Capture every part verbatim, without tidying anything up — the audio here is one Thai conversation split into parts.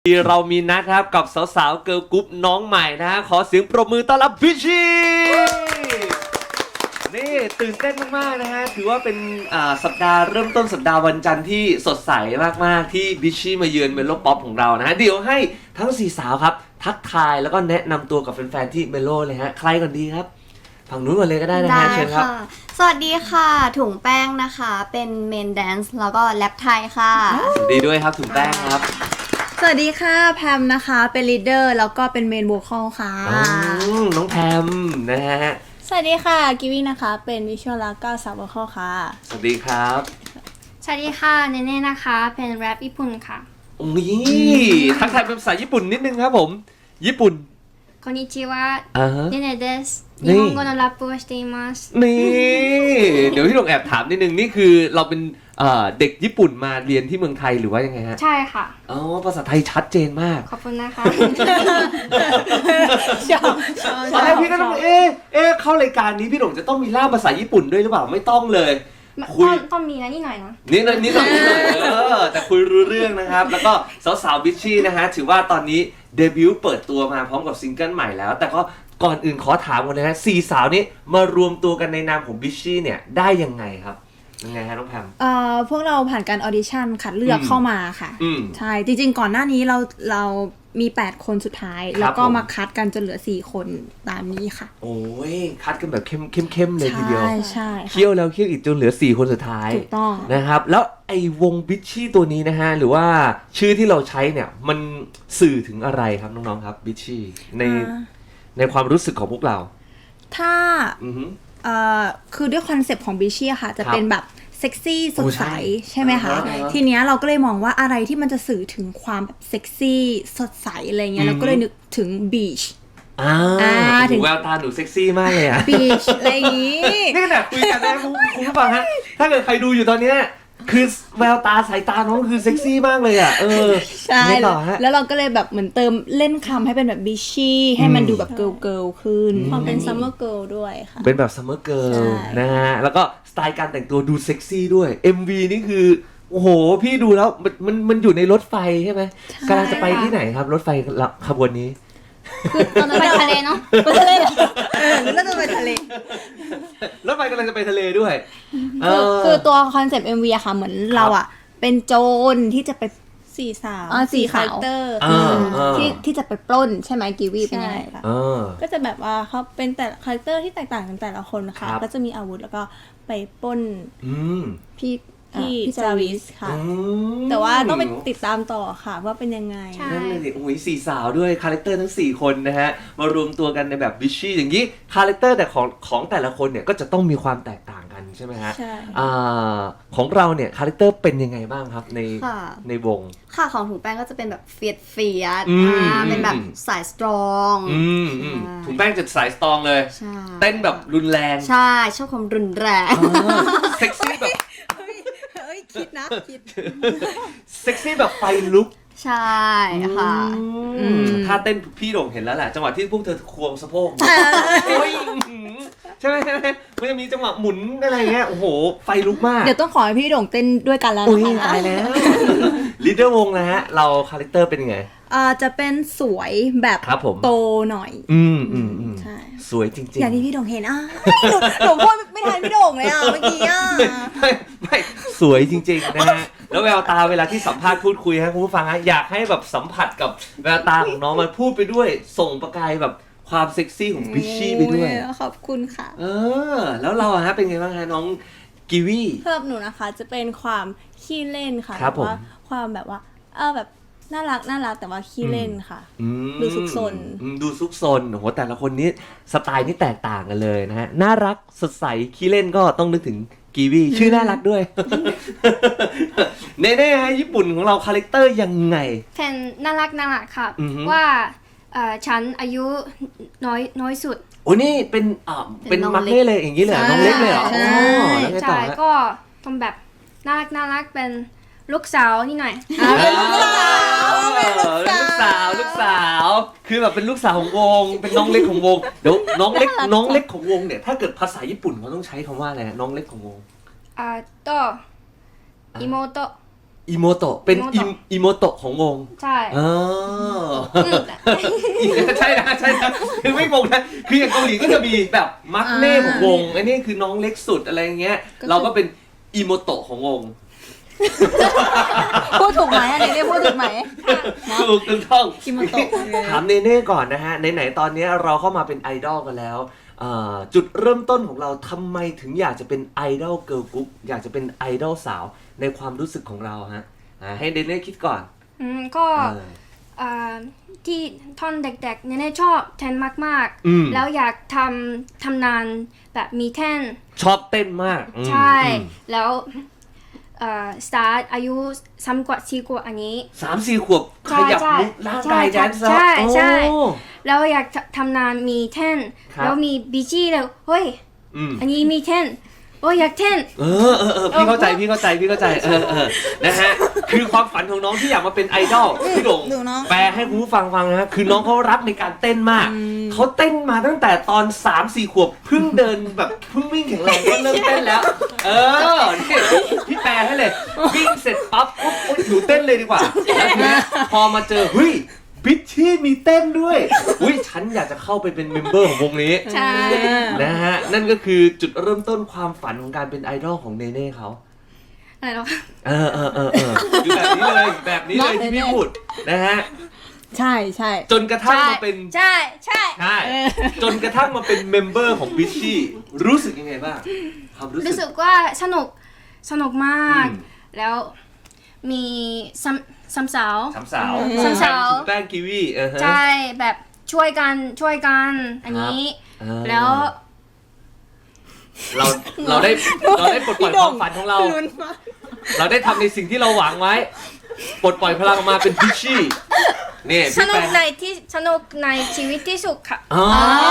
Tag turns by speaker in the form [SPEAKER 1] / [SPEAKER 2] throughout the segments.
[SPEAKER 1] เรามีนัดครับกับสาวๆเกิร์ลกรุ๊ปน้องใหม่นะฮะขอเสียงปรบมือต้อนรับพิชชี่นี่ตื่นเต้นมากๆนะฮะถือว่าเป็นสัปดาห์เริ่มต้นสัปดาห์วันจันทร์ที่สดใสมากๆที่พิชชี่มาเยือนเมโลป๊อปของเรานะฮะเดี๋ยวให้ทั้งสี่สาวครับทักทายแล้วก็แนะนำตัวกับแฟนๆที่เมโลเลยฮะใครก่อนดีครับฝั่งนู้นก่อนเลยก็ได้นะฮะเชิญครับ
[SPEAKER 2] สวัสดีค่ะถุงแป้งนะคะเป็นเมนแดนซ์แล้วก็แรปไทยค่ะ
[SPEAKER 1] สวัสดีด้วยครับถุงแป้งครับ
[SPEAKER 3] สวัสดีค่ะแพมนะคะเป็นลีดเดอร์แล้วก็เป็นเมนโวคอลค่ะ
[SPEAKER 1] น้องแพมนะฮะ
[SPEAKER 3] สวัสดีค่ะกิวี่นะคะเป็นวิชวลแล้วก็ซับโวคอลค่ะ
[SPEAKER 1] สวัสดีครับ
[SPEAKER 2] สวัสดีค่ะเนเน่นะคะเป็นแรปญี่ปุ่นค่ะ
[SPEAKER 1] โอ้ยทักทายเป็นภาษาญี่ปุ่นนิดนึงครับผมญี่ปุ่น
[SPEAKER 2] こんにちはเนเน่เดส
[SPEAKER 1] 日
[SPEAKER 2] 本語のラップをしています
[SPEAKER 1] นี่เดี๋ยวพี่หลงแอบถามนิดนึงนี่คือเราเป็นเด็กญี่ปุ่นมาเรียนที่เมืองไทยหรือว่ายังไงฮะ
[SPEAKER 2] ใช่ค่ะ
[SPEAKER 1] อ๋อภาษาไทยชัดเจนมาก
[SPEAKER 2] ขอบคุณนะคะ
[SPEAKER 3] ชอบ
[SPEAKER 1] ตอนแรกพี่ก็ต้องเอ๊ะเอ๊ะเข้ารายการนี้พี่หลงจะต้องมีล่ามภาษาญี่ปุ่นด้วยหรือเปล่าไม่ต้องเลย
[SPEAKER 2] คุยต้องมีนะนี่หน่อยนะ
[SPEAKER 1] นี่นิดหน่อยนิดหน่อยเออแต่คุยรู้เรื่องนะครับแล้วก็สาวๆบิชชี่นะฮะถือว่าตอนนี้เดบิวต์เปิดตัวมาพร้อมกับซิงเกิลใหม่แล้วแต่ก็ก่อนอื่นขอถามกันนะฮะสี่สาวนี้มารวมตัวกันในนามของบิชชี่เนี่ยได้ยังไงครับยังไงฮะน้องแพม
[SPEAKER 3] เอ่อพวกเราผ่านการออดิชั่นคัดเลือกเข้ามาค่ะใช่จริงๆก่อนหน้านี้เราเรามีแปดคนสุดท้ายแล้วก็มาคัดกันจนเหลือสี่คนตามนี้ค่ะ
[SPEAKER 1] โอ้ยคัดกันแบบเข้มเข้มเข้มเลยทีเดียว
[SPEAKER 3] ใช่ใช่
[SPEAKER 1] เคี่ยวแล้วเคี่ยวอีกจนเหลือสี่คนสุดท้าย
[SPEAKER 3] ถูกต้อง
[SPEAKER 1] นะครับแล้วไอ้วงบิชชี่ตัวนี้นะฮะหรือว่าชื่อที่เราใช้เนี่ยมันสื่อถึงอะไรครับน้องๆครับบิชชี่ในในความรู้สึกของพวกเรา
[SPEAKER 3] ถ้าเอ่อคือด้วยคอนเซปต์ของบิชชี่ค่ะจะเป็นแบบเซ็กซี่สดใสใช่ไหมคะทีเนี้ยเราก็เลยมองว่าอะไรที่มันจะสื่อถึงความแบบเซ็กซี่สดใสอะไรเงี้ยเราก็เลยนึกถึงบีช
[SPEAKER 1] อ่าถึงแววตาหนูเซ็กซี่มากเลยอะ
[SPEAKER 3] บีชอะไรอย่างงี้
[SPEAKER 1] นี่ขนาดคุยกันนะคุณผู้ฟังฮะถ้าเกิดใครดูอยู่ตอนเนี้ยคือแววตาสายตาน้องคือเซ็กซี่มากเลยอ่ะเออ
[SPEAKER 3] ใช่แล้วเราก็เลยแบบเหมือนเติมเล่นคำให้เป็นแบบบิชชี่ให้มันดูแบบเกิร์ลเกิร์ลขึ้นความเป็นซัมเมอร์เกิร์ลด้วยค่ะ
[SPEAKER 1] เป็นแบบซัมเมอร์เกิร์ลนะฮะแล้วก็สไตล์การแต่งตัวดูเซ็กซี่ด้วย เอ็ม วี นี่คือโอ้โหพี่ดูแล้วมันมันมันอยู่ในรถไฟใช่ไหมกำลังจะไปที่ไหนครับรถไฟขบวนนี้
[SPEAKER 2] คือตอนนั้นไปทะเลเนาะ
[SPEAKER 3] ไปทะเลแล้วจะไปทะเล
[SPEAKER 1] รถไฟกำลังจะไปทะเลด้วย
[SPEAKER 3] คือตัวคอนเซปต์ เอ็ม วี อะค่ะเหมือนเราอะเป็นโจรที่จะไป
[SPEAKER 2] สี่สาว
[SPEAKER 3] สี่คาแรคเตอร์ที่ที่จะไปปล้นใช่ไหมกีวีเป็นยังไงคะ
[SPEAKER 2] ก็จะแบบว่าเขาเป็นแต่คาแรคเตอร์ที่แตกต่างกันแต่ละคนนะคะก็จะมีอาวุธแล้วก็ไปปล้นพี่พี่จาวิสค่ะแต่ว่าต้องไปติดตามต่อค่ะว่าเป็นยังไง
[SPEAKER 1] นั่นเลยโอ้ยสี่สาวด้วยคาแรคเตอร์ทั้งสี่คนนะฮะมารวมตัวกันในแบบบิชชี่อย่างนี้คาแรคเตอร์แต่ของของแต่ละคนเนี่ยก็จะต้องมีความแตกต่างกันใช่ไหมฮะ
[SPEAKER 2] ใช่
[SPEAKER 1] ของเราเนี่ยคาแรคเตอร์เป็นยังไงบ้างครับในในวง
[SPEAKER 2] ค่ะของถุงแป้งก็จะเป็นแบบเฟียดเฟียดเป็นแบบสายสตรอง
[SPEAKER 1] ถุงแป้งจะสายสตรองเลยเต้นแบบรุนแรง
[SPEAKER 2] ใช่ชอบความรุนแรง
[SPEAKER 1] เซ็กซี่แบบ
[SPEAKER 3] คิดนะคิด
[SPEAKER 1] เซ็กซี่แบบไฟลุก
[SPEAKER 2] ใช่ค่ะ
[SPEAKER 1] ถ้าเต้นพี่โด่งเห็นแล้วแหละจังหวะที่พวกเธอควงสะโพกใช่ไหมใช่ไหมมันจะมีจังหวะหมุนอะไรเงี้ยโอ้โหไฟลุกมาก
[SPEAKER 3] เดี๋ยวต้องขอให้พี่โด่งเต้นด้วยกันแล้ว
[SPEAKER 1] นะคะตายแล้วลีดเดอร์วงนะฮะเราคาแรคเตอร์เป็นยังไง
[SPEAKER 3] อ่าจะเป็นสวยแบบโตหน่อย
[SPEAKER 1] อืมอืมอืมใช่สวยจริงๆ
[SPEAKER 3] อย่างที่พี่โด่งเห็นอ่ะหนูหนูพูดไม่ทันพี่โด่งเลยอ่ะเมื่อกี้อ่ะ
[SPEAKER 1] ไม่ไม่สวยจริงๆนะฮะแล้วแววตาเวลาที่สัมภาษณ์พูดคุยฮะคุณผู้ฟังฮะอยากให้แบบสัมผัสกับแววตาของน้องมันพูดไปด้วยส่งประกายแบบความเซ็กซี่ของบิชชี่ไปด้วย
[SPEAKER 3] ขอบคุณค่ะ
[SPEAKER 1] เออแล้วเราฮะเป็นไงบ้างฮะน้องกีวี
[SPEAKER 3] สำหรับหนูนะคะจะเป็นความขี้เล่นค่ะ
[SPEAKER 1] แบบว่า
[SPEAKER 3] ความแบบว่าเออแบบน่ารักน่ารักแต่ว่าขี้เล่นค่ะดูซุกซน
[SPEAKER 1] ดูซุกซนโอ้โหแต่ละคนนี้สไตล์นี่แตกต่างกันเลยนะฮะน่ารักสดใสขี้เล่นก็ต้องนึกถึงกีวีชื่อน่ารักด้วยเน่ๆฮะญี่ปุ่นของเราคาแรคเตอร์ยังไง
[SPEAKER 2] แฟนน่ารักน่ารักค่ะว่าฉันอายุน้อยน้อยสุด
[SPEAKER 1] โอ้นี่เป็นอ่าเป็นมักเล่เลยอย่างนี้เลยน้องเล็กเลยเหรอ
[SPEAKER 2] ใช่ใช่ก็ทำแบบน่ารักน่ารักเป็นลูกสาวนี่หน่อย
[SPEAKER 3] เป็นลูกสาว
[SPEAKER 1] ลูกสาวลูกสาวคือแบบเป็นลูกสาวของวงเป็นน้องเล็กของวงเดี๋ยวน้องเล็กน้องเล็กของวงเนี่ยถ้าเกิดภาษาญี่ปุ่นเขาต้องใช้คำว่าอะไรน้องเล็กของวง
[SPEAKER 2] อ่าโตอิโมโต
[SPEAKER 1] อิโมโตะเป็น
[SPEAKER 4] อิโมโตะ
[SPEAKER 1] อิโมโตะของวง
[SPEAKER 4] ใช่
[SPEAKER 1] อ๋อใช่นะใช่นะคือไม่งงนะคืออย่างเกาหลีก็จะมีแบบมักเน่ของวงอันนี้คือน้องเล็กสุดอะไรเงี้ยเราก็เป็นอิโมโตะของวง
[SPEAKER 3] พูดถูกไหมอันนี้เรียกพูดถูกไหม
[SPEAKER 1] ถูกถูกต้อง
[SPEAKER 3] อิโมโตะ
[SPEAKER 1] ถามเนเน่ก่อนนะฮะไหนๆตอนนี้เราเข้ามาเป็นไอดอลกันแล้วเอ่อจุดเริ่มต้นของเราทำไมถึงอยากจะเป็นไอดอลเกิร์ลกรุ๊ปอยากจะเป็นไอดอลสาวในความรู้สึกของเราฮะอ่าให้เนเน่คิดก่อน
[SPEAKER 4] อืมก็
[SPEAKER 1] เออ
[SPEAKER 4] อ่าที่ท่อนเด็กๆเนี่ยชอบแทนมาก
[SPEAKER 1] อืม
[SPEAKER 4] ๆ แล้วอยากทำทำนานแบบมีแท่น
[SPEAKER 1] ชอบเต้นมากอืม
[SPEAKER 4] ใช่
[SPEAKER 1] อืม
[SPEAKER 4] แล้วเอ่อสตาร์ทอายุซ้ำกว่าสี่กว่าอันนี้
[SPEAKER 1] สามสี่ขวบข
[SPEAKER 4] ใช่
[SPEAKER 1] ยับ
[SPEAKER 4] ใช่
[SPEAKER 1] มุกร่างกาย
[SPEAKER 4] ใช่
[SPEAKER 1] แดนซ์แล้ว
[SPEAKER 4] ใช่ใช่
[SPEAKER 1] โอ้
[SPEAKER 4] แล้วอยากทำนานมีแท่น
[SPEAKER 1] ครับ
[SPEAKER 4] แล้วมีบีจี้แล้วเฮ้ย
[SPEAKER 1] อืม
[SPEAKER 4] อันนี้มีแท่นโอ้ยอยากแท่น
[SPEAKER 1] เออเออเออพี่เข้าใจพี่เข้าใจพี่เข้าใจเออเออนะฮะคือความฝันของน้องที่อยากมาเป็นไอดอลพี่หลง
[SPEAKER 3] ดูน้อง
[SPEAKER 1] แปลให้คุณผู้ฟังฟังนะฮะคือน้องเขารักในการเต้นมากเขาเต้นมาตั้งแต่ตอนสามสี่ขวบเพิ่งเดินแบบเพิ่งวิ่งแข็งแรงก็เริ่มเต้นแล้ว เออนี่พี่แปลให้เลยวิ่งเสร็จปั๊บปุ๊บอุ๊ยหนูเต้นเลยดีกว่าแล้วทีนี้พอมาเจอเฮ้ยบิชชี่มีเต้นด้วยอุ้ยฉันอยากจะเข้าไปเป็นเมมเบอร์ของวงนี้
[SPEAKER 4] ใช่
[SPEAKER 1] นะฮะนั่นก็คือจุดเริ่มต้นความฝันของการเป็นไอดอลของเนเน่เขา
[SPEAKER 4] อะไรหรอ
[SPEAKER 1] เออเออเออเออคือแบบนี้เลยแบบนี้เลยที่พี่พูดนะฮะ
[SPEAKER 3] ใช่ใช่
[SPEAKER 1] จนกระทั่งมาเป็น
[SPEAKER 4] ใช่ใช่
[SPEAKER 1] ใช่จนกระทั่งมาเป็นเมมเบอร์ของบิชชี่รู้สึกยังไงบ้างความรู้
[SPEAKER 4] รู้
[SPEAKER 1] สึ
[SPEAKER 4] สึ
[SPEAKER 1] ก
[SPEAKER 4] กว่าสนุกสนุกมาก
[SPEAKER 1] อืม
[SPEAKER 4] แล้วมีซัมซัมสาว
[SPEAKER 1] สามสาว
[SPEAKER 4] สามสาว
[SPEAKER 1] ถุงแป้งกีวีเออฮะ
[SPEAKER 4] ใช่แบบช่วยกันช่วยกันอันนี้
[SPEAKER 1] เออ
[SPEAKER 4] แล้ว
[SPEAKER 1] เราเราได้เราได้ปลดปล่อยความฝันของเรา เราได้ทำในสิ่งที่เราหวังไว้ปลดปล่อยพลังออกมาเป็นบิชชี่นี่
[SPEAKER 4] ส
[SPEAKER 1] พี่
[SPEAKER 4] นุ
[SPEAKER 1] แป
[SPEAKER 4] ก
[SPEAKER 1] ล
[SPEAKER 4] ในที่สนุกในชีวิตที่สุดค่ะ
[SPEAKER 1] อ๋อ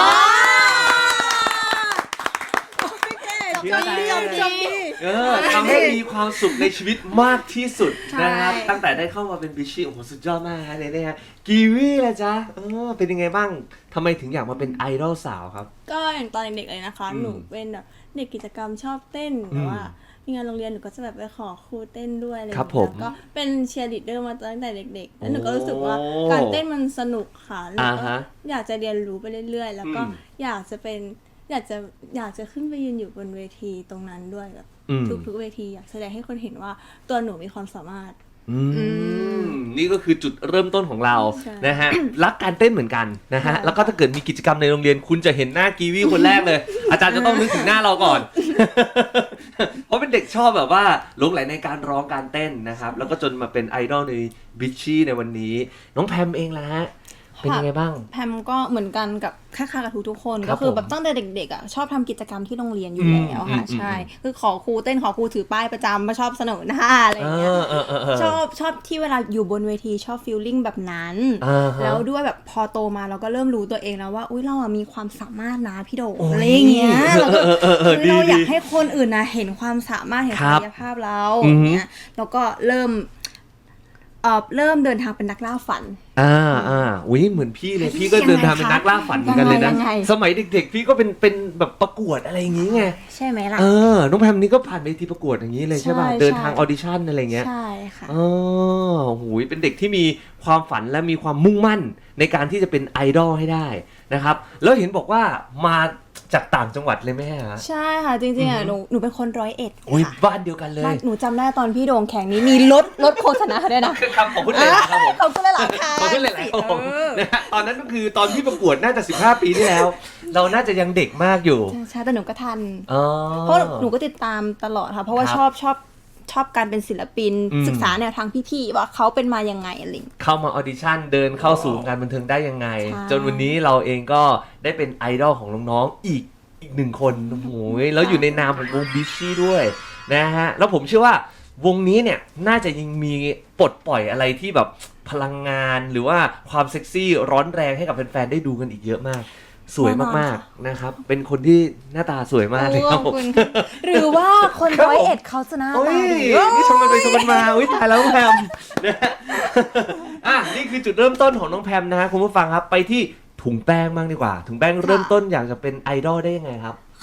[SPEAKER 3] จบดีจบดี
[SPEAKER 1] เออทำให้มีความสุขในชีวิตมากที่สุด
[SPEAKER 4] ใช่
[SPEAKER 1] นะครับตั้งแต่ได้เข้ามาเป็นบิชชี่โอ้โหสุดยอดมากฮะเนเน่ฮะกีวีล่ะจ๊ะเออเป็นยังไงบ้างทำไมถึงอยากมาเป็นไอดอลสาวครับ
[SPEAKER 2] ก็อย่างตอนเด็กๆเลยนะคะ
[SPEAKER 1] อืม
[SPEAKER 2] หนูเป็นแบบเด็กกิจกรรมชอบเต้น
[SPEAKER 1] อืม
[SPEAKER 2] แต่ว่ามีงานโรงเรียนหนูก็จะแบบไปขอครูเต้นด้วยอะไรอย่าง
[SPEAKER 1] ครับ
[SPEAKER 2] เงี้ย
[SPEAKER 1] ผม
[SPEAKER 2] ก็เป็นเชียร์ลีดเดอร์มาตั้งแต่เด็กๆ แล้วหนูก็
[SPEAKER 1] โอ้
[SPEAKER 2] รู้สึกว่าการเต้นมันสนุกค่ะแล้ว
[SPEAKER 1] อ่า
[SPEAKER 2] ก็
[SPEAKER 1] ฮะ
[SPEAKER 2] อยากจะเรียนรู้ไปเรื่อยๆ แล้วก็
[SPEAKER 1] อืม
[SPEAKER 2] อยากจะเป็นอยากจะอยากจะขึ้นไปยืนอยู่บนเวทีตรงนั้นด้วยแบบ
[SPEAKER 1] อืม
[SPEAKER 2] ทุกๆเวทีอยากแสดงให้คนเห็นว่าตัวหนูมีความสามารถ
[SPEAKER 1] อืมนี่ก็คือจุดเริ่มต้นของเรา
[SPEAKER 2] ใช่
[SPEAKER 1] นะฮะรักการเต้นเหมือนกันนะฮะ
[SPEAKER 2] ใช่
[SPEAKER 1] แล้วก็ถ้าเกิดมีกิจกรรมในโรงเรียนคุณจะเห็นหน้ากีวีคนแรกเลย อาจารย์จะต้องนึกถึงหน้าเราก่อน เพราะเป็นเด็กชอบแบบว่าหลงไหลในการร้องการเต้นนะครับ แล้วก็จนมาเป็นไอดอลในบิชชี่ในวันนี้ น้องแพมเองล่ะฮะเป็นยังไงบ้าง
[SPEAKER 2] แพมก็เหมือนกันกับคล้ายๆกับทุกๆคน
[SPEAKER 1] ครั
[SPEAKER 2] ก็
[SPEAKER 1] บ
[SPEAKER 2] คือ
[SPEAKER 1] ผม
[SPEAKER 2] แบบตั้งแต่เด็กๆอ่ะชอบทำกิจกรรมที่โรงเรียนอยู่
[SPEAKER 1] อืม
[SPEAKER 2] แล้วค่ะ
[SPEAKER 1] อืม
[SPEAKER 2] ใช่
[SPEAKER 1] อืม
[SPEAKER 2] คือขอครูเต้นขอครูถือป้ายประจำมาชอบเสนอหน้าอะไรอ
[SPEAKER 1] เอย่าง
[SPEAKER 2] เงี้ย
[SPEAKER 1] อเออเออเออ
[SPEAKER 2] ชอบชอบที่เวลาอยู่บนเวทีชอบฟีลลิ่งแบบนั้น
[SPEAKER 1] อ่าฮะ
[SPEAKER 2] แล้วด้วยแบบพอโตมาเราก็เริ่มรู้ตัวเองแล้วว่าอุ้ยเราอะมีความสามารถนะพี่โด
[SPEAKER 1] โอ้ย
[SPEAKER 2] อะไรอย่างเงี้ยเราก็
[SPEAKER 1] เออเออเออ
[SPEAKER 2] เฮ้ยเรา
[SPEAKER 1] ดี
[SPEAKER 2] อยาก
[SPEAKER 1] ดี
[SPEAKER 2] ให้คนอื่นนะเห็นความสามารถเห็น
[SPEAKER 1] ครั
[SPEAKER 2] ศั
[SPEAKER 1] บ
[SPEAKER 2] กยภาพเรา
[SPEAKER 1] อื
[SPEAKER 2] อ
[SPEAKER 1] อฮึ
[SPEAKER 2] ย่างเงี้ยแล้วก็เริ่มเอ่อเริ่มเดินทางเป็นนักล่าฝัน
[SPEAKER 1] อ่าอ่าอุ้ยเหมือนพี่เลยพี่ก็เดินทางเป็นนักล่าฝันเหมือนกันเลยนะ
[SPEAKER 2] ยังไง
[SPEAKER 1] สมัยเด็กๆ พี่ก็เป็นเป็นแบบประกวดอะไรอย่างงี้ไง
[SPEAKER 2] ใช่ไหมล่ะ
[SPEAKER 1] เออ น้องแพมนี่ก็ผ่านเวทีประกวดอย่างนี้เลยใช่ป่ะ
[SPEAKER 2] ใช่
[SPEAKER 1] เดินทาง
[SPEAKER 2] ใช่
[SPEAKER 1] ออดิชั่นอะไรเงี้ย
[SPEAKER 2] ใช่ค่ะ
[SPEAKER 1] อ๋อหูยเป็นเด็กที่มีความฝันและมีความมุ่งมั่นในการที่จะเป็นไอดอลให้ได้นะครับ แล้วเห็นบอกว่ามาจากต่างจังหวัดเลยไหมฮะ
[SPEAKER 2] ใช่ค่ะจริงๆอ่ะหนูหนูเป็นคนร้อยเอ็ด
[SPEAKER 1] โอ้ย
[SPEAKER 2] ค่ะ
[SPEAKER 1] บ้านเดียวกันเลย
[SPEAKER 2] บ้านหนูจำได้ตอนพี่โด่งแข่งนี้มีรถรถโฆษณาด้วยนะ
[SPEAKER 1] คือคำของคุณเลยนะครับผม
[SPEAKER 2] ขอบคุณหลายๆค่ะ
[SPEAKER 1] ขอบคุณหลายๆครับผมนะฮะตอนนั้นก็คือตอนที่ประกวดน่าจะสิบห้าปีที่แล้ว เราน่าจะยังเด็กมากอยู่
[SPEAKER 2] ใช่ใช่แต่หนูก็ทัน
[SPEAKER 1] อ๋อ
[SPEAKER 2] เพราะหนูก็ติดตามตลอดค่ะ เพราะว่า
[SPEAKER 1] ครับ
[SPEAKER 2] ชอบชอบชอบการเป็นศิลปิน
[SPEAKER 1] อืม
[SPEAKER 2] ศึกษาแนวทางพี่ๆว่าเขาเป็นมายังไงอะไรอย่างเงี้ย
[SPEAKER 1] เข้ามาออดิชั่นเดินเข้าสู่วงการบันเทิงได้ยังไง
[SPEAKER 2] ใช่
[SPEAKER 1] จนวันนี้เราเองก็ได้เป็นไอดอลของน้องๆอีกอีกหนึ่งคนโอ้โหแล้วอยู่ในนามของวงบิชชี่ด้วยนะฮะแล้วผมเชื่อว่าวงนี้เนี่ยน่าจะยังมีปลดปล่อยอะไรที่แบบพลังงานหรือว่าความเซ็กซี่ร้อนแรงให้กับแฟนๆได้ดูกันอีกเยอะมาก สวยมากๆนะครับเป็นคนที่หน้าตาสวยมากเลยครับผม
[SPEAKER 2] หรือว่าคน
[SPEAKER 1] ครับผม
[SPEAKER 2] ร้อยเอ็ดเขาจะหน้า
[SPEAKER 1] โอ้
[SPEAKER 2] ตาย ดี
[SPEAKER 1] นี่ชมกันไปชมกันมาอุ้ยตายแล้วน้องแพมนะฮะอ่ะนี่คือจุดเริ่มต้นของน้องแพมนะฮะคุณผู้ฟังครับไปที่ถุงแป้งบ้างดีกว่าถุงแป้งเริ่มต้นอยากจะเป็นไอดอลได้ยังไงครับ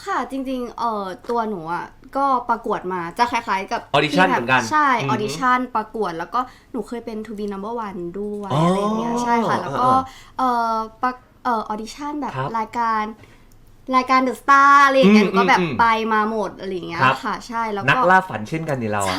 [SPEAKER 5] ค่ะจริงๆเอ่อตัวหนูอ่ะก็ประกวดมาจะคล้ายๆกับ
[SPEAKER 1] Audition
[SPEAKER 5] ที่แบบ
[SPEAKER 1] เหมือนกัน
[SPEAKER 5] ใช่
[SPEAKER 1] อืม
[SPEAKER 5] ออดิชั่นประกวดแล้วก็หนูเคยเป็น To be number one ด้วย
[SPEAKER 1] อ๋ออ
[SPEAKER 5] อะไรอย่างเงี้ยใช่ค่ะแล้วก็
[SPEAKER 1] เออ
[SPEAKER 5] เอ่อประเอ่อออดิชั่นแบบ
[SPEAKER 1] ครับ
[SPEAKER 5] รายการรายการ The Star อะไรอย่างเงี้ย
[SPEAKER 1] อื
[SPEAKER 5] ห
[SPEAKER 1] ม
[SPEAKER 5] นูก็แบบ
[SPEAKER 1] อืม
[SPEAKER 5] ไปมาหมดอะไรอย่างเงี้ย
[SPEAKER 1] ครับ
[SPEAKER 5] ค่ะใช่แล้ว
[SPEAKER 1] นัก
[SPEAKER 5] ก็
[SPEAKER 1] ล่าฝันเช่นกันนี่เราอะ
[SPEAKER 5] ใช่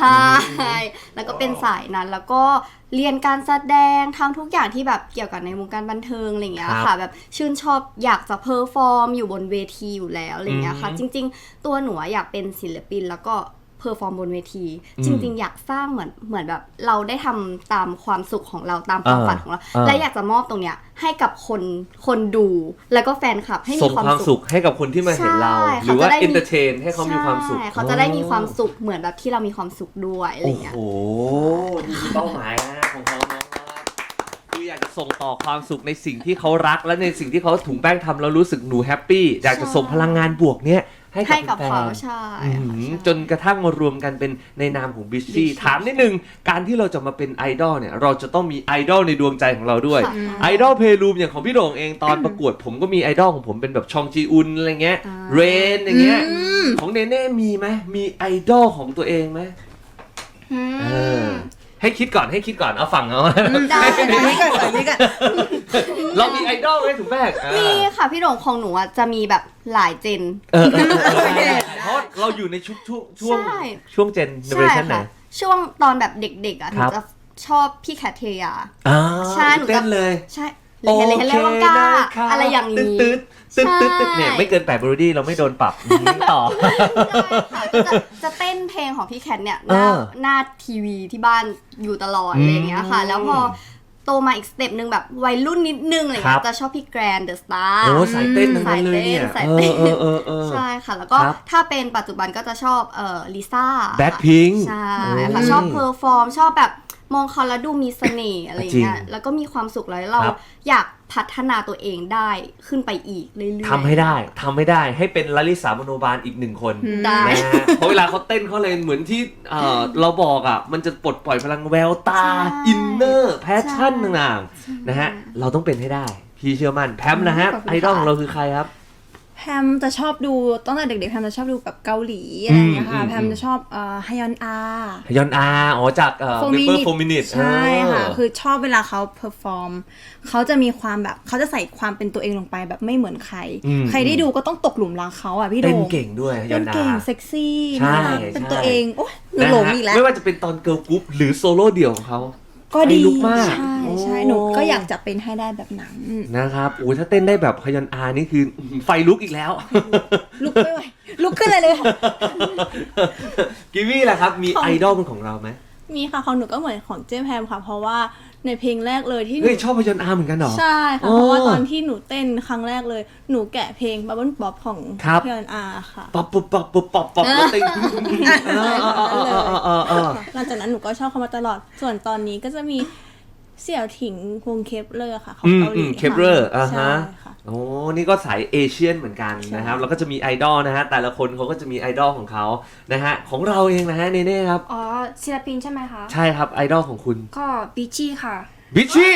[SPEAKER 5] แล้วก็เป็นสายนั้นแล้วก็เรียนการแสดงทำทุกอย่างที่แบบเกี่ยวกับในวงการบันเทิงอะไรอย่างเงี้ย
[SPEAKER 1] ครับ
[SPEAKER 5] ค่ะแบบชื่นชอบอยากจะเพอร์ฟอร์มอยู่บนเวทีอยู่แล้วอะไรอย่างเงี้ยค่ะ
[SPEAKER 1] อืม
[SPEAKER 5] จริง ๆ ตัวหนูอะอยากเป็นศิลปินแล้วก็เพอร์ฟอร์มบนเวที
[SPEAKER 1] อืม
[SPEAKER 5] จริง ๆ อยากสร้างเหมือนเหมือนแบบเราได้ทำตามความสุขของเราตามความ
[SPEAKER 1] อ่า
[SPEAKER 5] ฝันของเรา
[SPEAKER 1] อ่า
[SPEAKER 5] และอยากจะมอบตรงเนี้ยให้กับคนคนดูแล้วก็แฟนคลับให้
[SPEAKER 1] ส่
[SPEAKER 5] มี
[SPEAKER 1] ง
[SPEAKER 5] ความ
[SPEAKER 1] ความ
[SPEAKER 5] สุ
[SPEAKER 1] สุ
[SPEAKER 5] ข
[SPEAKER 1] ขให้กับคนที่มาเห็นเรา
[SPEAKER 5] ใช่
[SPEAKER 1] หรือว่า
[SPEAKER 5] เขาจะได้มี
[SPEAKER 1] เอนเตอร์เทนให้เขามีความสุข
[SPEAKER 5] ใช่เขาจะได้มีความสุขเหมือนแบบที่เรามีความสุขด้วยอะไร
[SPEAKER 1] โอ้
[SPEAKER 5] อย่างเงี้ย
[SPEAKER 1] โหนี่คือเป้าหมายนะของเขาน้องนะครับคืออยากจะส่งต่อความสุขในสิ่งที่เขารักและในสิ่งที่เขาถุงแป้งทำแล้วรู้สึกหนูแฮปปี้อยากจะส่งพลังงานบวกเนี้ยให้
[SPEAKER 5] ให้
[SPEAKER 1] กั
[SPEAKER 5] กั
[SPEAKER 1] บบ แฟ
[SPEAKER 5] เขา
[SPEAKER 1] น
[SPEAKER 5] ใช่
[SPEAKER 1] อื
[SPEAKER 5] ค่ะ
[SPEAKER 1] ม
[SPEAKER 5] ใช่
[SPEAKER 1] จนกระทั่งมารวมกันเป็นในนามของบิชชี่ถามนิดนึงการที่เราจะมาเป็นไอดอลเนี่ยเราจะต้องมีไอดอลในดวงใจของเราด้วย
[SPEAKER 5] ค่ะ
[SPEAKER 1] ไอดอลเพลรูมอย่างของพี่โด่งเองตอนประกวดผมก็มีไอดอลของผมเป็นแบบชองจีอุนอะไรเงี้ย
[SPEAKER 5] อ่า
[SPEAKER 1] เรนอย่างเงี้ยของเนเน่มีไหมมีไอดอลของตัวเองไหม
[SPEAKER 4] อืม
[SPEAKER 1] เออให้คิดก่อนให้คิดก่อนเอาฝั่งเอา
[SPEAKER 5] ได้
[SPEAKER 3] อันนี้ก่อนอันนี้ก่อน
[SPEAKER 1] เรามีไอดอลไหมถุงแป้งอ่า
[SPEAKER 5] มีค่ะพี่โด่งของหนูอ่ะจะมีแบบหลายเจน
[SPEAKER 1] เออเออเออเออเพราะเราอยู่ในช่วงช่วงช่วง
[SPEAKER 5] ใช่
[SPEAKER 1] ช่วงเจนเนอเร
[SPEAKER 5] ใช่
[SPEAKER 1] ชั่นไหน
[SPEAKER 5] ค่ะ ช่วงตอนแบบเด็กๆอ่ะห
[SPEAKER 1] ค
[SPEAKER 5] นู
[SPEAKER 1] รับ
[SPEAKER 5] จะชอบพี่แคทเทีย
[SPEAKER 1] อ่า
[SPEAKER 5] ใช่หนูจะ
[SPEAKER 1] เต้นเลย
[SPEAKER 5] ใช่เลยเฮเลเฮเลวังกาอะไรอย่างนี้
[SPEAKER 1] ตืดตืดตืดตืดตืด
[SPEAKER 5] ใช่
[SPEAKER 1] เนี่ยไม่เกินแปดบรูดี้เราไม่โดนปรับอืมต่อ
[SPEAKER 5] ค่ะก็จะจะเต้นเพลงของพี่แคทเนี่ยหน้า
[SPEAKER 1] เออ
[SPEAKER 5] หน้าทีวีที่บ้านอยู่ตลอดอะไรอย่างเงี้ยค่ะ
[SPEAKER 1] อืม
[SPEAKER 5] แล้วพอโตมาอีกสเต็ปหนึ่งแบบวัยรุ่นนิดนึงอะไร
[SPEAKER 1] ครั
[SPEAKER 5] เงี้
[SPEAKER 1] บ
[SPEAKER 5] ยจะชอบพี่แกรนเดอะสตาร์
[SPEAKER 1] โอ้สายเต้นทั้งนั้นเลยเนี่ย
[SPEAKER 5] สายเต้น
[SPEAKER 1] เออเออเออ
[SPEAKER 5] ใช่ค่ะ แล้วก็
[SPEAKER 1] ครับ
[SPEAKER 5] ถ้าเป็นปัจจุบันก็จะชอบเอ่อลิซ่า
[SPEAKER 1] แบ็คพิง
[SPEAKER 5] ใช่ค่ะชอบเพอร์ฟอร์มชอบแบบมองเขาแล้วดูมีเสน่ห์อะไรเงี้ย
[SPEAKER 1] จริง
[SPEAKER 5] แล้วก็มีความสุขแล้วเรา
[SPEAKER 1] ครับ
[SPEAKER 5] อยากพัฒนาตัวเองได้ขึ้นไปอีกเรื่อยๆ
[SPEAKER 1] ทำให้ได้ทำให้ได้ให้เป็นลลิสามโนบาลอีกหนึ่งคน
[SPEAKER 5] ได้
[SPEAKER 1] นะฮะเพราะเวลาเขาเต้นเขาเลยเหมือนที่เอ่อเราบอกอ่ะมันจะปลดปล่อยพลังแววตา
[SPEAKER 5] ใช่
[SPEAKER 1] อินเนอร์แพชชั่น
[SPEAKER 5] ใช่
[SPEAKER 1] ต่างๆนะฮะเราต้องเป็นให้ได้ พี่เชื่อมั่นแพมนะฮะ
[SPEAKER 5] ขอบคุณ
[SPEAKER 1] ไอดอล
[SPEAKER 5] ค่ะ
[SPEAKER 1] ของเราคือใครครับ
[SPEAKER 3] แพมจะชอบดูตั้งแต่เด็กๆแพมจะชอบดูแบบเกาหลีอะไรอย่างเงี้ยค่ะ
[SPEAKER 1] อืม
[SPEAKER 3] แพมจะชอบเอ่อฮยอนอา
[SPEAKER 1] ยอนอาอ๋อจากเอ่อ
[SPEAKER 3] Four
[SPEAKER 1] เปเปอร์
[SPEAKER 3] Minute
[SPEAKER 1] โฟมินิต
[SPEAKER 3] ใช่ค่ะ คือชอบเวลาเขาเพอร์ฟอร์มเขาจะมีความแบบเขาจะใส่ความเป็นตัวเองลงไปแบบไม่เหมือนใคร
[SPEAKER 1] อืม
[SPEAKER 3] ใครได้ดูก็ต้องตกหลุมรักเขาอ่ะพี่โด
[SPEAKER 1] เต้น
[SPEAKER 3] ง
[SPEAKER 1] เก่งด้วยย
[SPEAKER 3] เต้
[SPEAKER 1] อน
[SPEAKER 3] น
[SPEAKER 1] อา
[SPEAKER 3] เก่งเซ็กซี่
[SPEAKER 1] ใช่
[SPEAKER 3] น่ารักเป็น
[SPEAKER 1] ใช่
[SPEAKER 3] ตัวเองโอ้ยหนู
[SPEAKER 1] นะ
[SPEAKER 3] หลง
[SPEAKER 1] ฮะ
[SPEAKER 3] อีกแล้ว
[SPEAKER 1] ไม่ว่าจะเป็นตอนเกิร์ลกรุ๊ปหรือโซโล่เดี่ยวของเขา
[SPEAKER 3] ก็ดี
[SPEAKER 1] ไฟลุกมาก
[SPEAKER 3] ใช่ใช่
[SPEAKER 1] โอ้
[SPEAKER 3] หนูก็อยากจะเป็นให้ได้แบบนั้น
[SPEAKER 1] นะครับโอ้ยถ้าเต้นได้แบบฮยอนอานี่คือไฟลุกอีกแล้ว
[SPEAKER 3] ลุกไม่ไหวลุกขึ้นเลยเลยค่ะ
[SPEAKER 1] กิวี่ล่ะครับ มี
[SPEAKER 2] ของ
[SPEAKER 1] ไอดอลเป็นของเราไหม
[SPEAKER 2] มีค่ะของหนูก็เหมือนของเจมแพมค่ะ เพราะว่าในเพลงแรกเลยที่หนู
[SPEAKER 1] เฮ้ยชอบฮยอนอาเหมือนกันเหรอ
[SPEAKER 2] ใช่ค่ะ
[SPEAKER 1] อ๋อ
[SPEAKER 2] เพราะว่าตอนที่หนูเต้นครั้งแรกเลย หนูแกะเพลง Bubble Pop ของ
[SPEAKER 1] ครับ
[SPEAKER 2] พี่อันอาค่ะ
[SPEAKER 1] ป๊อปป๊อปป๊อปป๊อปป๊อปป๊อปแล้วเต้นเออเออเออเออเออเออเออ
[SPEAKER 2] หลังจากนั้นหนูก็ชอบเขามาตลอด ส่วนตอนนี้ก็จะมีเสี่ยวถิงวงเคปเลอร์ค่ะ ของ
[SPEAKER 1] อืม
[SPEAKER 2] เกาห
[SPEAKER 1] อื
[SPEAKER 2] ลี
[SPEAKER 1] ม
[SPEAKER 2] ค่ะ
[SPEAKER 1] เคปเรอร์อ่า
[SPEAKER 2] ใช่
[SPEAKER 1] ฮะ
[SPEAKER 2] ค่ะ
[SPEAKER 1] โอ้นี่ก็สายเอเชียนเหมือนกันนะครับ แล้วก็จะมีไอดอลนะฮะ แต่ละคนเขาก็จะมีไอดอลของเขานะฮะ ของเราเองนะฮะเนเน่ครับ
[SPEAKER 4] อ๋อศิลปินใช่ไหมคะ
[SPEAKER 1] ใช่ครับไอดอลของคุณ
[SPEAKER 4] ก็บิชชี่ค่ะ
[SPEAKER 1] บิชชี่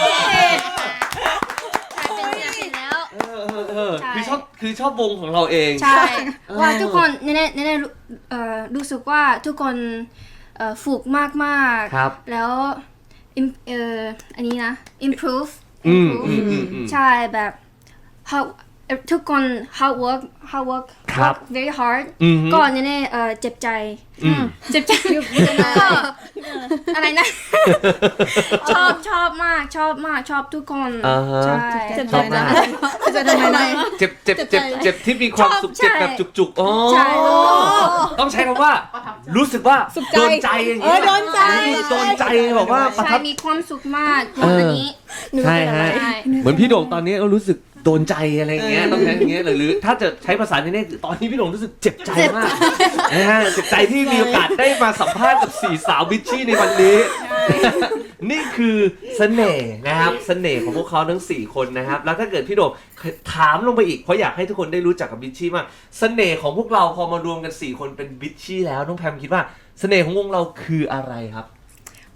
[SPEAKER 4] เป็นศิลปินแล้ว
[SPEAKER 1] เออเออเออ
[SPEAKER 4] ใช่
[SPEAKER 1] คือชอบคือชอบวงของเราเอง
[SPEAKER 4] ใช่
[SPEAKER 1] เออ
[SPEAKER 4] ว่าทุกคนเน่ๆเน่ๆรู้เอ่อรู้สึกว่าทุกคนเอ่อฝึกมากมากๆ
[SPEAKER 1] ครับ
[SPEAKER 4] แล้ว im- เอ่ออันนี้นะ improve
[SPEAKER 1] อืม
[SPEAKER 4] improve
[SPEAKER 1] อืมอืมอืม
[SPEAKER 4] ใช่แบบ how ทุกคน hard work hard work
[SPEAKER 1] ครับ
[SPEAKER 4] work very hard
[SPEAKER 1] อืม
[SPEAKER 4] ก็เน่ๆเอ่อเจ็บใจ
[SPEAKER 1] อืม
[SPEAKER 4] เจ็บใจก็อะไรนะ ชอบชอบมากชอบมากชอบทุกคน
[SPEAKER 1] อ่าฮะ
[SPEAKER 4] ใช่
[SPEAKER 2] เจ็บ
[SPEAKER 1] ชอบมาก
[SPEAKER 3] จะทำไมนะ
[SPEAKER 1] เจ็บเจ็บเจ็บเจ็บที่มีความสุข
[SPEAKER 4] ชอบใช่
[SPEAKER 1] เจ็บแบบจุกๆอ๋อ
[SPEAKER 4] ใช่
[SPEAKER 1] ต้องใช้คำว่า รู้สึกว่า
[SPEAKER 3] สุขใจ
[SPEAKER 1] โดนใจอย่าง
[SPEAKER 3] เออโดนใจ
[SPEAKER 1] โดนใจบอกว่าประ
[SPEAKER 4] ใช่
[SPEAKER 1] ทับ
[SPEAKER 4] มีความสุขมาก
[SPEAKER 1] เอออั
[SPEAKER 4] อันนี้
[SPEAKER 1] ใช่ฮะ
[SPEAKER 4] ใช่
[SPEAKER 1] เหมือนพี่โด่งตอนนี้ก็รู้สึกโดนใจอะไรอย่างเงี้ยต้องใช้อย่างเงี้ยหรือหรือถ้าจะใช้ภาษาในนี้ตอนนี้พี่โด่งรู้สึกเจ็บใจมากนะฮะเจ็บใจที่มีโอกาสได้มาสัมภาษณ์กับสี่สาวบิชชี่ในวันนี้ นี่คือเสน่ห์นะครับเสน่ห์ของพวกเขาทั้งสี่คนนะครับ แล้วถ้าเกิดพี่โด่งถามลงไปอีกเพราะอยากให้ทุกคนได้รู้จักกับบิชชี่มากเสน่ห์ของพวกเราพอมารวมกันสี่คนเป็นบิชชี่แล้วน้องแพมคิดว่าเสน่ห์ของวงเราคืออะไรครับ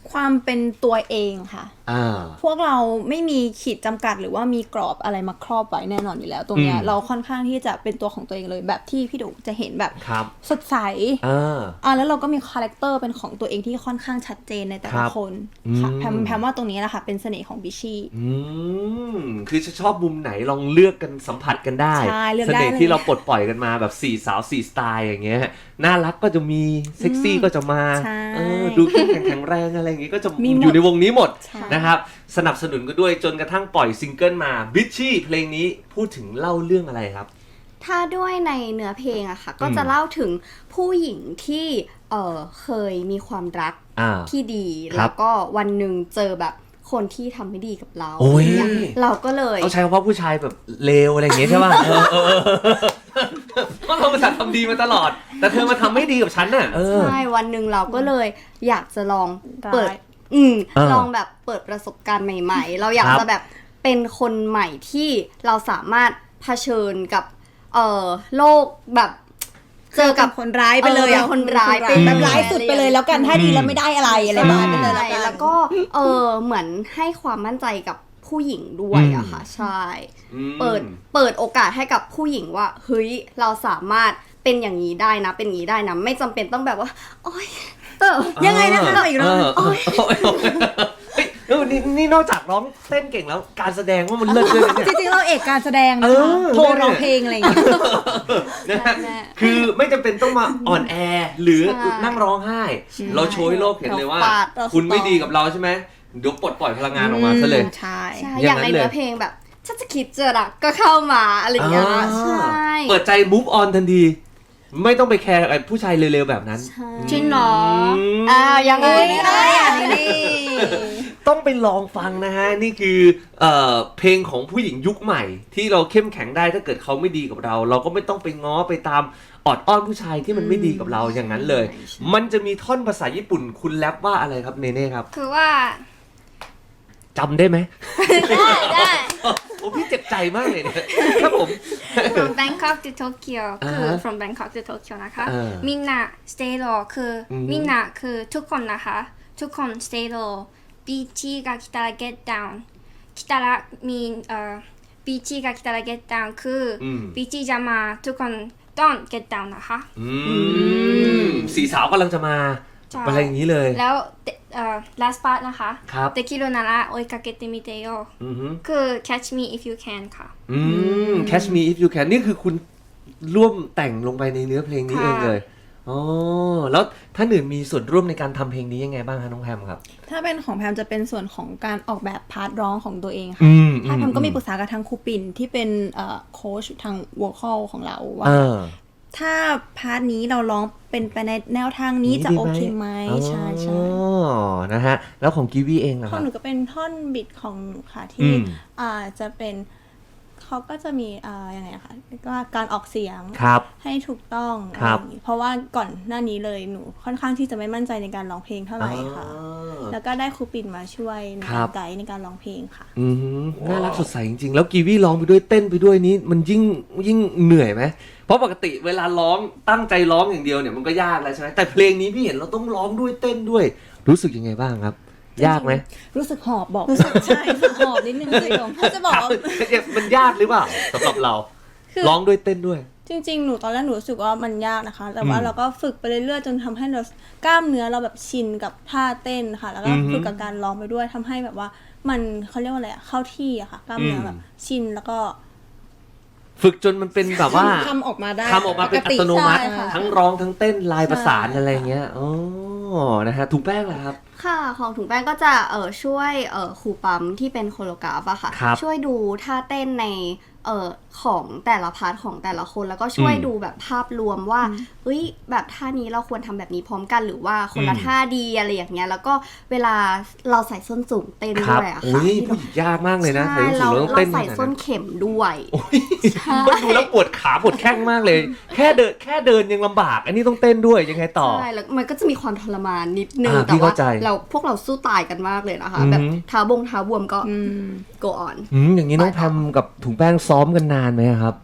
[SPEAKER 3] ความเป็นตัวเองค่ะ
[SPEAKER 1] อ่า
[SPEAKER 3] พวกเราไม่มีขีดจำกัดหรือว่ามีกรอบอะไรมาครอบไว้แน่นอนอยู่แล้ว ตรงเนี้ย
[SPEAKER 1] อืม
[SPEAKER 3] เราค่อนข้างที่จะเป็นตัวของตัวเองเลยแบบที่พี่ดุจะเห็นแบบ
[SPEAKER 1] ครับ
[SPEAKER 3] สดใส
[SPEAKER 1] อ่า
[SPEAKER 3] อ่าแล้วเราก็มีคาแรคเตอร์เป็นของตัวเองที่ค่อนข้างชัดเจนในแต่
[SPEAKER 1] ครั
[SPEAKER 3] ละ
[SPEAKER 1] บ
[SPEAKER 3] คนค่ะ
[SPEAKER 1] อืม
[SPEAKER 3] แพมแพมว่าตรงนี้แหละค่ะเป็นเสน่ห์ของบิชชี่
[SPEAKER 1] อืมคือจะชอบมุมไหนลองเลือกกันสัมผัสกันได้
[SPEAKER 3] ใช่เลือก
[SPEAKER 1] เส
[SPEAKER 3] ได้
[SPEAKER 1] น่ห์
[SPEAKER 3] เลย
[SPEAKER 1] ที่เราปลดปล่อยกันมาแบบสี่สาวสี่สไตล์อย่างเงี้ยน่ารักก็จะมีเซ็กซี่ก็จะมา
[SPEAKER 3] ใช่
[SPEAKER 1] เออดูเข้มแข็งแข็งแรงอะไรอย่างงี้ก็จะ
[SPEAKER 3] มีหมด
[SPEAKER 1] อยู่ในวงนี้หมด
[SPEAKER 3] ใช่
[SPEAKER 1] นะครับสนับสนุนก็ด้วยจนกระทั่งปล่อยซิงเกิลมาบิชชี่เพลงนี้พูดถึงเล่าเรื่องอะไรครับ
[SPEAKER 5] ถ้าด้วยในเนื้อเพลงอะค่ะ ก็
[SPEAKER 1] อืม
[SPEAKER 5] จะเล่าถึงผู้หญิงที่เออเคยมีความรัก
[SPEAKER 1] อ่า
[SPEAKER 5] ที่ดี
[SPEAKER 1] ครับ
[SPEAKER 5] แล้วก็วันหนึ่งเจอแบบคนที่ทำไม่ดีกับเรา
[SPEAKER 1] โอ้ย
[SPEAKER 5] เนี่ยเราก็เลย
[SPEAKER 1] เขาใช้คำว่าผู้ชายแบบเลวอะไรอย่างเงี้ยใช่ป่ะเออเออเออเพราะเราภาษาทำดีมาตลอด แต่เธอมาทำไม่ดีกับฉันน่ะเออ
[SPEAKER 5] ใช่วันหนึ่งเราก็เลยอยากจะลอง
[SPEAKER 3] ร้าย
[SPEAKER 5] เปิด อืม
[SPEAKER 1] เออ
[SPEAKER 5] ลองแบบเปิดประสบการณ์ใหม่ ๆ เราอยาก
[SPEAKER 1] ครับ
[SPEAKER 5] จะแบบเป็นคนใหม่ที่เราสามารถเผชิญกับเอ่อโลกแบบเจอกับ
[SPEAKER 3] คนร้ายไปเลย
[SPEAKER 5] เออ
[SPEAKER 3] อะ
[SPEAKER 5] เป็นคนร้าย
[SPEAKER 3] เป็
[SPEAKER 5] เป็น น
[SPEAKER 3] แบบร้ายสุดไปเลยแล้วกันถ้าดีแล้วไม่ได้อะไรอะไรบ้างไปเลย
[SPEAKER 5] ใช่
[SPEAKER 3] แล้วกัน
[SPEAKER 5] แล้วก็เออเหมือนให้ความมั่นใจกับผู้หญิงด้วยอะค่ะใช่
[SPEAKER 1] อืม
[SPEAKER 5] เปิดเปิดโอกาสให้กับผู้หญิงว่าเฮ้ยเราสามารถเป็นอย่างนี้ได้นะ เป็นอย่างนี้ได้นะ ไม่จำเป็นต้องแบบว่า โอ๊ยเออ
[SPEAKER 3] ยังไงนะคะอีกรอบ
[SPEAKER 1] เออเออเออเฮ้ยเออนี่นี่นอกจากร้องเต้นเก่งแล้วการแสดงว่ามันเลิศด้วยนะเนี่ย
[SPEAKER 3] จริงๆเราเอกการแสดงนะ
[SPEAKER 1] เอ
[SPEAKER 3] คะ
[SPEAKER 1] อ
[SPEAKER 3] โทรร้องเพลงอะไรอย่างเงี้ย
[SPEAKER 1] นะฮะ
[SPEAKER 5] แม่
[SPEAKER 1] คือไม่จำเป็นต้องมาอ่อนแอหรือ
[SPEAKER 5] ใช่
[SPEAKER 1] นั่งร้องไห้ เราโชว์ให้โลกเห็นเลยว่า
[SPEAKER 5] เราฟาด
[SPEAKER 1] คุณไม่ดีกับเราใช่ไหมเดี๋ยวปลดปล่อยพลังงานออกมาซะเลย
[SPEAKER 3] ใช่
[SPEAKER 5] ใช่
[SPEAKER 1] อ
[SPEAKER 5] อย่าง
[SPEAKER 1] นั้น
[SPEAKER 5] ใน
[SPEAKER 1] เลย
[SPEAKER 5] เนื้อเพลงแบบถ้าจะคิดเจอรักก็เข้ามาอะไรอย่างเงี้ย
[SPEAKER 1] อ่า
[SPEAKER 5] ใช่
[SPEAKER 1] เปิดใจ move on ทันที ไม่ต้องไปแคร์ไอ้ผู้ชายเร็วๆแบบนั้น
[SPEAKER 5] ใช่
[SPEAKER 4] จริงเหรอ
[SPEAKER 1] ม
[SPEAKER 5] อ่ายังไง
[SPEAKER 3] เอ้ย
[SPEAKER 5] ไม่
[SPEAKER 3] อะไร
[SPEAKER 5] ได้
[SPEAKER 3] อ่ะ
[SPEAKER 5] อะ
[SPEAKER 3] นี่
[SPEAKER 1] ต้องไปลองฟังนะฮะ นี่คือเอ่อเพลงของผู้หญิงยุคใหม่ ที่เราเข้มแข็งได้ถ้าเกิดเขาไม่ดีกับเรา เราก็ไม่ต้องไปง้อไปตามออดอ้อนผู้ชายที่มันไม่ดีกับเราอย่างนั้นเลย มันจะมีท่อนภาษาญี่ปุ่นคุณแรปว่าอะไรครับเนเน่ครับ
[SPEAKER 4] คือว่า
[SPEAKER 1] จำได้ไหม
[SPEAKER 4] ได้ได้
[SPEAKER 1] โอ้พี่เจ็บใจมากเลยเนี่ยครับผม
[SPEAKER 4] from Bangkok to Tokyo
[SPEAKER 1] อ่า
[SPEAKER 4] คือ
[SPEAKER 1] ฮะ
[SPEAKER 4] from Bangkok to Tokyo นะคะ
[SPEAKER 1] เออ
[SPEAKER 4] มินนา stay low คืออ
[SPEAKER 1] ม
[SPEAKER 4] มินนาคือทุกคนนะคะ ทุกคน stay low บีจีが来たら get down 来たらมีเอ่อบีจีが来たら get down คืออ
[SPEAKER 1] ม
[SPEAKER 4] บีจีจะมาทุกคน don't get down นะคะ
[SPEAKER 1] อืมสี่สาวกำลังจะมา
[SPEAKER 4] ใช่
[SPEAKER 1] อะไรอย่างนี้เลย
[SPEAKER 4] แล้วเอ่อ last part นะคะ
[SPEAKER 1] ครับ
[SPEAKER 4] できるなら追いかけてみてよ
[SPEAKER 1] อือฮึ
[SPEAKER 4] คือ catch me if you can ค่ะ
[SPEAKER 1] อืม Catch Me If You Can นี่คือคุณร่วมแต่งลงไปในเนื้อเพลงนี้
[SPEAKER 4] ค่ะ
[SPEAKER 1] เองเลยอ๋อแล้วท่านอื่นมีส่วนร่วมในการทำเพลงนี้ยังไงบ้างคะน้องแพมครับ
[SPEAKER 3] ถ้าเป็นของแพมจะเป็นส่วนของการออกแบบพาร์ทร้องของตัวเองค่ะ
[SPEAKER 1] อืม
[SPEAKER 3] ถ้าแพมก็มีปรึกษากับทางครูปิ่นที่เป็นโค้ชทางวอลคอลของเราว่า
[SPEAKER 1] เออ
[SPEAKER 3] ถ้าพาร์ทนี้เราร้องเป็นไปในแนวทางนี้จะโอเคไหมใช่ใช่
[SPEAKER 1] อ๋อนะฮะ แล้วของกีวีเองนะ
[SPEAKER 3] ข
[SPEAKER 1] ค
[SPEAKER 3] อง
[SPEAKER 1] รับ
[SPEAKER 3] หนูก็เป็นท่อนบิดของหนูค่ะ
[SPEAKER 1] อื
[SPEAKER 3] ที่
[SPEAKER 1] ม
[SPEAKER 3] อ่าจะเป็นเขาก็จะมีอ่ายังไงอะคะเรียกว่าการออกเสียง
[SPEAKER 1] ครับ
[SPEAKER 3] ให้ถูกต้อง
[SPEAKER 1] ครับ
[SPEAKER 3] อะไรอย่างงี้เพราะว่าก่อนหน้านี้เลยหนูค่อนข้างที่จะไม่มั่นใจในการร้องเพลงเท่าไหร่ค่ะ
[SPEAKER 1] อ๋อ
[SPEAKER 3] แล้วก็ได้ครูปิ่นมาช่วยใน
[SPEAKER 1] ครั
[SPEAKER 3] การ
[SPEAKER 1] บ
[SPEAKER 3] ไกด์ในการร้องเพลงค่ะ
[SPEAKER 1] อืมน่ารักสดใสจริงๆ แล้วกีวีร้องไปด้วยเต้นไปด้วยนี้มันยิ่งยิ่งเหนื่อยไหมเพราะปกติเวลาร้องตั้งใจร้องอย่างเดียวเนี่ยมันก็ยากแล้วใช่ไหมแต่เพลงนี้พี่เห็นเราต้องร้องด้วยเต้นด้วย รู้สึกยังไงบ้างครับ ยากไหม
[SPEAKER 3] รู้สึกหอบบอกรู้สึกใช่ค่ะหอบนิดนึงสิผมถ้าจะบอกว่า
[SPEAKER 1] มันยากหรือเปล่าสำหรับเรา
[SPEAKER 3] คือ
[SPEAKER 1] ร้องด้วยเต้นด้วย
[SPEAKER 3] จริงๆ หนูตอนแรกหนูรู้สึกว่ามันยากนะคะ แต่ว่า
[SPEAKER 1] อืม
[SPEAKER 3] เราก็ฝึกไปเรื่อยๆ จนทำให้เรากล้ามเนื้อเราแบบชินกับท่าเต้นค่ะ แล้วก็
[SPEAKER 1] อือฮึ
[SPEAKER 3] ฝึกกับการร้องไปด้วยทำให้แบบว่ามันเขาเรียกว่าอะไรอะเข้าที่อะค่ะ กล้ามเนื้ออ
[SPEAKER 1] ม
[SPEAKER 3] แบบชินแล้วก็
[SPEAKER 1] ฝึกจนมันเป็นแบบว่า
[SPEAKER 3] ทำออกมาได้
[SPEAKER 1] ทำออกมาเป็นอัตโนมัติ
[SPEAKER 3] ใช่ค่ะ
[SPEAKER 1] ทั้งร้องทั้งเต้นลายประสาน
[SPEAKER 3] ใช่
[SPEAKER 1] อะไรเงี้ยอ๋อนะฮะถุงแป้งเหรอครับ
[SPEAKER 5] ค่ะของถุงแป้งก็จะเออช่วยเออครูปั๊มที่เป็นโคโรกราฟอะค่ะ
[SPEAKER 1] ครับ
[SPEAKER 5] ช่วยดูท่าเต้นในเออของแต่ละพาร์ทของแต่ละคน แล้วก็ช่วย
[SPEAKER 1] อืม
[SPEAKER 5] ดูแบบภาพรวมว่าเอ้ยแบบท่านี้เราควรทำแบบนี้พร้อมกันหรือว่าคนละ
[SPEAKER 1] อืม
[SPEAKER 5] ท่าดีอะไรอย่างเงี้ยแล้วก็เวลาเราใส่ส้นสูงเต้น
[SPEAKER 1] ครับ
[SPEAKER 5] ด้วยอะ
[SPEAKER 1] โอ้
[SPEAKER 5] ค่ะ
[SPEAKER 1] ย
[SPEAKER 5] ที่
[SPEAKER 1] ผู้หญิงยากมากเลยนะ
[SPEAKER 5] ใช่
[SPEAKER 1] ใส่ส้นสู
[SPEAKER 5] เรา
[SPEAKER 1] งแล้วต้อง
[SPEAKER 5] เรา
[SPEAKER 1] เต้น
[SPEAKER 5] ใส่
[SPEAKER 1] ขนาด
[SPEAKER 5] ส้น
[SPEAKER 1] นั้น
[SPEAKER 5] เข็มด้วย
[SPEAKER 1] โอ้ยมันดูแล้วปวดขาปวดแข้งมากเลย แค่เดินแค่เดินยังลำบาก อันนี้ต้องเต้นด้วยยังไงต่อ
[SPEAKER 5] ใช่แล้วมันก็จะมีความทรมานนิดนึง
[SPEAKER 1] อ่า
[SPEAKER 5] แต่
[SPEAKER 1] พี่
[SPEAKER 5] ว่า
[SPEAKER 1] เข้าใจ
[SPEAKER 5] เราพวกเราสู้ตายกันมากเลยนะคะ
[SPEAKER 1] อืม
[SPEAKER 5] แบบเท้าบงเท้าบวมก็
[SPEAKER 3] อืม
[SPEAKER 5] go on
[SPEAKER 1] อืมอย่างนี้น้องแพมกับถุงแป้งซ้อมกันนานไหมครับ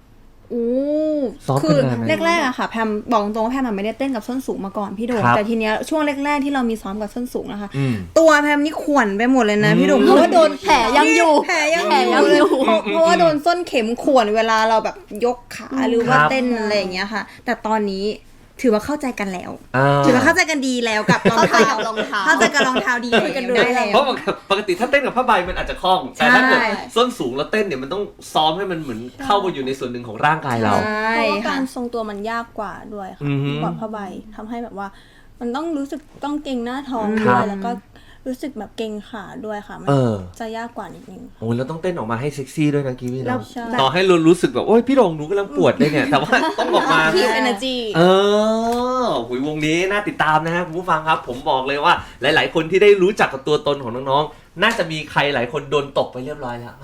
[SPEAKER 3] โอ้
[SPEAKER 1] ซ้อม
[SPEAKER 3] คือ
[SPEAKER 1] กันนานไหม
[SPEAKER 3] แรกๆอะค่ะแพมบอกตรงว่าแพมอะไม่ได้เต้นกับส้นสูงมาก่อนพี่โดม
[SPEAKER 1] ครับ
[SPEAKER 3] แต่ทีเนี้ยช่วงแรกๆที่เรามีซ้อมกับส้นสูงนะคะ
[SPEAKER 1] อืม
[SPEAKER 3] ตัวแพมนี่ข่วนไปหมดเลยนะ
[SPEAKER 1] อืม
[SPEAKER 3] พี่โดมเพราะว่าโดน
[SPEAKER 5] แผลยังอยู่
[SPEAKER 3] แผลยัง
[SPEAKER 5] แผลยัง
[SPEAKER 3] อยู่
[SPEAKER 5] อยู่
[SPEAKER 3] เลยเพราะเพราะว่าโดนส้นเข็มข่วนเวลาเราแบบยกขาหรือว่า
[SPEAKER 1] ครับ
[SPEAKER 3] เต้นอะไรอย่างเงี้ยค่ะ แต่ตอนนี้ถือว่าเข้าใจกันแล้ว
[SPEAKER 1] อ่า
[SPEAKER 3] ถือว่าเข้าใจกันดีแล้วกับรอง
[SPEAKER 5] เข้าใจ
[SPEAKER 3] เท้า
[SPEAKER 5] กับรองเท้า
[SPEAKER 3] เข้าใจกับรองเท้าดีคุยกันได้แล้ว
[SPEAKER 1] เพราะปกติถ้าเต้นกับผ้าใบมันอาจจะคล่อง แต่ถ้าเกิด
[SPEAKER 3] ใช่
[SPEAKER 1] ส้นสูงแล้วเต้นเนี่ยมันต้องซ้อมให้มันเหมือนเข้ามาอยู่ในส่วนหนึ่งของร่างกายเรา
[SPEAKER 3] ใช่
[SPEAKER 2] เพราะว่า
[SPEAKER 3] ค่ะ
[SPEAKER 2] การทรงตัวมันยากกว่าด้วยค่ะ
[SPEAKER 1] อือฮึ
[SPEAKER 2] กว่าผ้าใบทำให้แบบว่า มันต้องรู้สึกต้องเกร็งหน้าท้อง
[SPEAKER 1] ครั
[SPEAKER 2] ด้ว
[SPEAKER 1] บ
[SPEAKER 2] ยแล้วก็รู้สึกแบบเกร็งขาด้วยค่ะมัน
[SPEAKER 1] เออ
[SPEAKER 2] จะยากกว่านิดนึง
[SPEAKER 1] โอ้ยแล้วต้องเต้นออกมาให้เซ็กซี่ด้วยนะกีวี
[SPEAKER 3] แล้ว
[SPEAKER 1] เนาะ
[SPEAKER 2] ใช่
[SPEAKER 1] ต่อให้เรารู้สึกแบบโอ้ยพี่โรงหนูกำลังปวดเลยเนี่ย แต่ว่าต้องออกมา
[SPEAKER 2] คีบ energy
[SPEAKER 1] เออหุยวงนี้น่าติดตามนะฮะคุณผู้ฟังครับ ผมบอกเลยว่าหลาย ๆ คนที่ได้รู้จักกับตัวตนของน้องๆ น่าจะมีใครหลายคนโดนตกไปเรียบร้อยแล้ว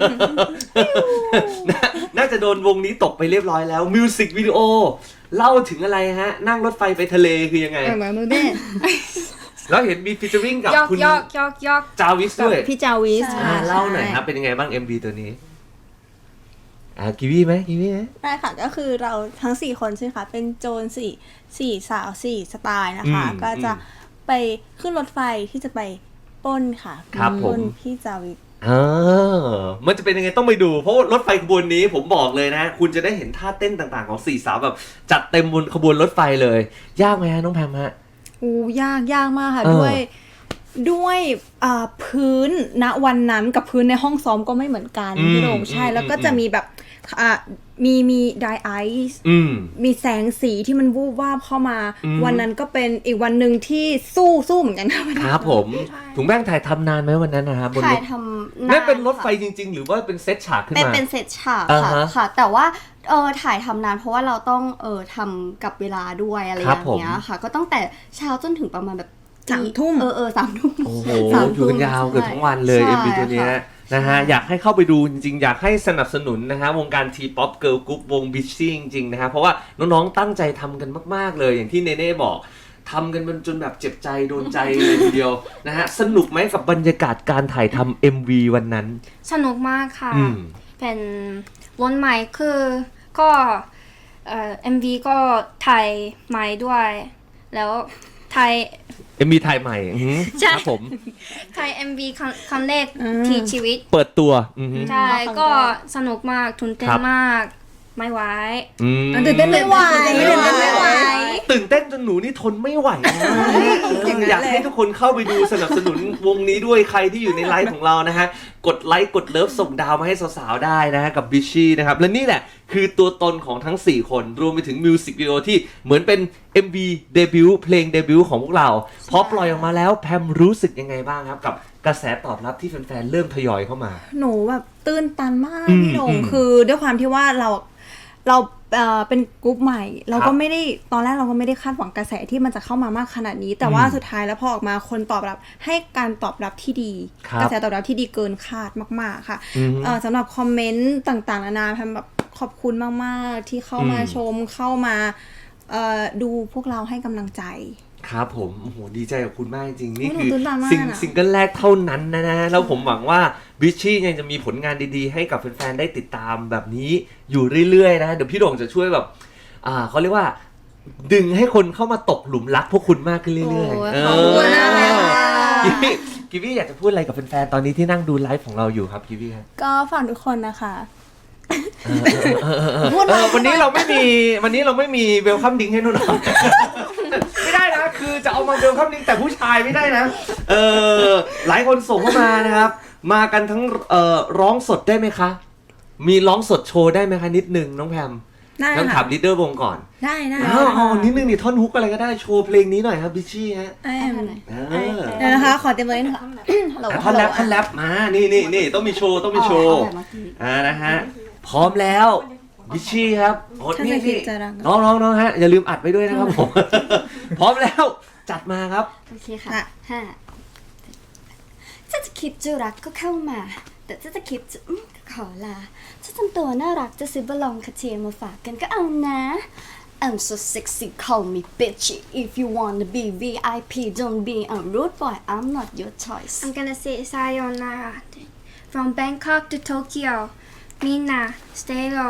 [SPEAKER 1] น่าน่าจะโดนวงนี้ตกไปเรียบร้อยแล้วมิวสิกวิดีโอเล่าถึงอะไรฮะ นั่งรถไฟไปทะเลคือยังไง
[SPEAKER 3] เหมือนมือเด้
[SPEAKER 1] แล้วเห็นมีฟีเจอริ่งกับ
[SPEAKER 4] ยอก
[SPEAKER 1] คุณ
[SPEAKER 4] ยอกยอกยอก
[SPEAKER 1] จาวิสด้วย
[SPEAKER 3] พี่จาวิส
[SPEAKER 2] ใช่
[SPEAKER 1] อ่าเล่าหน่อยครับเป็นยังไงบ้าง เอ็ม วี ตัวนี้อ่ากีวีไหมกีวีไหม
[SPEAKER 2] ได้ค่ะก็คือเราทั้งสี่คนใช่ไหมคะเป็นโจรสี่สี่สาวสี่สไตล์นะคะ
[SPEAKER 1] อืม
[SPEAKER 2] ก็จะไปขึ้นรถไฟที่จะไปปล้นค่ะ
[SPEAKER 1] ครับผม
[SPEAKER 2] ปล้นพี่จาวิท
[SPEAKER 1] อ่ามันจะเป็นยังไงต้องไปดู เพราะว่ารถไฟขบวนนี้ผมบอกเลยนะ คุณจะได้เห็นท่าเต้นต่างๆของสี่สาวแบบจัดเต็มบนขบวนรถไฟเลย ยากไหมฮะน้องแพมฮะ
[SPEAKER 3] อู้ยากยากมากค่ะ
[SPEAKER 1] เออ
[SPEAKER 3] ด้วยด้วยอ่าพื้นณวันนั้นกับพื้นในห้องซ้อมก็ไม่เหมือนกัน
[SPEAKER 1] อืม
[SPEAKER 3] พี่โด่งใช่
[SPEAKER 1] อืม
[SPEAKER 3] แล้วก็
[SPEAKER 1] อืม
[SPEAKER 3] จะมีแบบอ่ามีมีไดไอซ์
[SPEAKER 1] อืม
[SPEAKER 3] มีแสงสีที่มันวูบวาบเข้ามา
[SPEAKER 1] อืม
[SPEAKER 3] วันนั้นก็เป็นอีกวันหนึ่งที่สู้สู้เหมือนกันค่ะ
[SPEAKER 1] ครับผมถุงแป้งถ่ายทำนานไหมวันนั้นนะฮะบนร
[SPEAKER 5] ถ่าย
[SPEAKER 1] ถ
[SPEAKER 5] ทำ
[SPEAKER 1] นั่นเป็นรถไฟ
[SPEAKER 5] ค่ะ
[SPEAKER 1] จริง ๆ หรือว่าเป็นเซตฉากขึ้น
[SPEAKER 5] เป็น
[SPEAKER 1] มา
[SPEAKER 5] เป็นเซตฉาก
[SPEAKER 1] อ่า
[SPEAKER 5] ค่ะ
[SPEAKER 1] ฮะ
[SPEAKER 5] ค่ะ แต่ว่าเออถ่ายทำนานเพราะว่าเราต้องเออทำกับเวลาด้วยอะไรอ
[SPEAKER 1] ครับ
[SPEAKER 5] ย่างเงี้ยค่ะ ก็ตั้งแต่เช้าจนถึงประมาณแบบ
[SPEAKER 3] สามทุ่ม
[SPEAKER 5] เออเออสามทุ่ม
[SPEAKER 1] โอ้โห
[SPEAKER 5] สาม
[SPEAKER 1] อยู่กันยาวเกือบทั้งวันเลย
[SPEAKER 5] ใช่
[SPEAKER 1] เอ็ม วี ตัวเนี้ย
[SPEAKER 5] ค่ะ
[SPEAKER 1] นะฮะอยากให้เข้าไปดูจริงๆ อยากให้สนับสนุนนะฮะวงการทีป๊อปเกิร์ลกรุ๊ปวงบิชชี่จริงๆนะฮะเพราะว่าน้องๆตั้งใจทำกันมากๆเลยอย่างที่เนเน่บอกทำกันมันจนแบบเจ็บใจโดนใจเลยทีเดียวนะฮะสนุกไหมกับบรรยากาศการถ่ายทำ เอ็ม วี วันนั้น
[SPEAKER 4] สนุกมากค่ะ
[SPEAKER 1] อืม
[SPEAKER 4] เป็นวนใหม่คือก็เอ่อ เอ็ม วี ก็ถ่ายใหม่ด้วย แล้วถ่าย
[SPEAKER 1] เอ็ม วี ถ่ายใหม่อือหือ
[SPEAKER 4] ใช่
[SPEAKER 1] ครับผม
[SPEAKER 4] ถ่าย เอ็ม วี ครั้งครั้งแรก
[SPEAKER 3] อืม
[SPEAKER 4] ที่ชีวิต
[SPEAKER 1] เปิดตัวอือหือ
[SPEAKER 4] ใช่
[SPEAKER 2] ครั้งแรก
[SPEAKER 4] ก็สนุกมากทุนเต้น
[SPEAKER 1] ครับ
[SPEAKER 4] มาก ไม่ไหว
[SPEAKER 1] อืม
[SPEAKER 3] ตื่นเต้นไม่ไหว
[SPEAKER 1] ตื่นเต้น
[SPEAKER 3] ไม่ไหว
[SPEAKER 1] ตื่นเต้นจนหนูนี่ทนไม่ไหวนะ
[SPEAKER 3] อย่างนั้น
[SPEAKER 1] อยาก
[SPEAKER 3] เลย
[SPEAKER 1] ให้ทุกคนเข้าไปดูสนับสนุนวงนี้ด้วยใครที่อยู่ในไลฟ์ของเรานะฮะ กดไลค์กดเลิฟส่งดาวมาให้สาวๆได้นะฮะกับบิชชี่นะครับ และนี่แหละคือตัวตนของทั้ง สี่ คน รวมไปถึงมิวสิกวิดีโอที่เหมือนเป็น เอ็ม วี เดบิวต์เพลงเดบิวต์ของพวกเราพอปล่อยออกมาแล้วแพมรู้สึกยังไงบ้างครับกับกระแสตอบรับที่แฟนๆเริ่มทยอยเข้ามา
[SPEAKER 3] หนูแบบตื้นตันมาก
[SPEAKER 1] อืม
[SPEAKER 3] พี่โด่ง
[SPEAKER 1] อืม
[SPEAKER 3] คือด้วยความที่ว่าเราเราเอ่อเป็นกรุ๊ปใหม่ เรา
[SPEAKER 1] ครั
[SPEAKER 3] ก็
[SPEAKER 1] บ
[SPEAKER 3] ไม่ได้ตอนแรกเราก็ไม่ได้คาดหวังกระแสที่มันจะเข้ามามากขนาดนี้ แต่ว่า
[SPEAKER 1] อืม
[SPEAKER 3] สุดท้ายแล้วพอออกมาคนตอบรับให้การตอบรับที่ดี
[SPEAKER 1] ครับ
[SPEAKER 3] กระแสตอบรับที่ดีเกินคาดมากๆค่ะ
[SPEAKER 1] อืม
[SPEAKER 3] เอ่อสำหรับคอมเมนต์ต่างๆนานาแพมแบบขอบคุณมากๆที่เข้ามา
[SPEAKER 1] อืม
[SPEAKER 3] ชมเข้ามาเอ่อดูพวกเราให้กำลังใจ
[SPEAKER 1] ครับผมโอ้โหดีใจกับคุณมากจริงๆนี่
[SPEAKER 3] โอ้ย
[SPEAKER 1] คือ
[SPEAKER 3] หนูตื่นตามาก
[SPEAKER 1] สิ่ง
[SPEAKER 3] อะ
[SPEAKER 1] ซิงเกิลแรกเท่านั้นนะนะแล้วผมหวังว่าบิชชี่ยังจะมีผลงานดีๆ ให้กับแฟนๆได้ติดตามแบบนี้อยู่เรื่อยๆนะเดี๋ยวพี่โด่งจะช่วยแบบอ่าเขาเรียกว่า ดึงให้คนเข้ามาตกหลุมรักพวกคุณมากขึ้นเรื่อย
[SPEAKER 5] โอ้ย
[SPEAKER 1] ๆเอ
[SPEAKER 5] ขอบคุณนะ
[SPEAKER 1] อ
[SPEAKER 5] คะ
[SPEAKER 1] กิวี่กิวี่อยากจะพูดอะไรกับแฟนๆตอนนี้ที่นั่งดูไลฟ์ของเราอยู่ครับกิวี่ครับ
[SPEAKER 2] ก็ฝากทุกคนนะคะ
[SPEAKER 3] พูด
[SPEAKER 1] เอ
[SPEAKER 3] มา
[SPEAKER 1] อวันนี้เราไม่มีวันนี้เราไม่มีเวลคัมดิ้งให้นุ่นหรอก ไม่ได้นะคือจะเอามาเวลคัมดิ้งแต่ผู้ชายไม่ได้นะเออหลายคนส่งเข้ามานะครับ มากันทั้งเอ่อร้องสดได้ไหมคะ มีร้องสดโชว์ได้ไหมคะนิดนึงน้องแพม
[SPEAKER 3] ได้
[SPEAKER 1] ต้องถา
[SPEAKER 3] ค่ะ
[SPEAKER 1] มลีดเดอร์วงก่อน
[SPEAKER 3] ได้ได้
[SPEAKER 1] อ้าวอ๋อนิดนึงนี่ท่อนฮุกอะไรก็ได้โชว์เพลงนี้หน่อยครับบิชชี่ฮะ
[SPEAKER 3] ไอ้
[SPEAKER 1] เออ
[SPEAKER 3] เดี๋ยวนะคะขอเต็มเลยนะคะฮัลโหล
[SPEAKER 1] อ่ะท่อนแรปท่อนแรปมานี่นี่นี่ต้องมีโชว์ต้องมีโชว์
[SPEAKER 5] เอาแบบเมื่อกี้
[SPEAKER 1] อ่านะฮะพร้อมแล้วบิชชี่ครับโอ้
[SPEAKER 3] ถ้า
[SPEAKER 1] นี่
[SPEAKER 3] จะคิด
[SPEAKER 1] นี่
[SPEAKER 3] จะรัก
[SPEAKER 1] น้องน้องน้องฮะอย่าลืมอัดไว้ด้วยนะครับผม พร้อมแล้วจัดมาครับ
[SPEAKER 5] โอเคค่ะห้าถ้าจะคิดจะรักก็เข้ามา แต่ถ้าจะคิดจะอืมก็ขอลา ถ้าทำตัวน่ารักจะซื้อบอลลองคาเทียมาฝากกันก็เอานะ I'm so sexy call me bitchy if you wanna be วี ไอ พี don't be a rude boy I'm not your choice
[SPEAKER 4] I'm gonna say sayonara from Bangkok to Tokyo. Mina, stay low.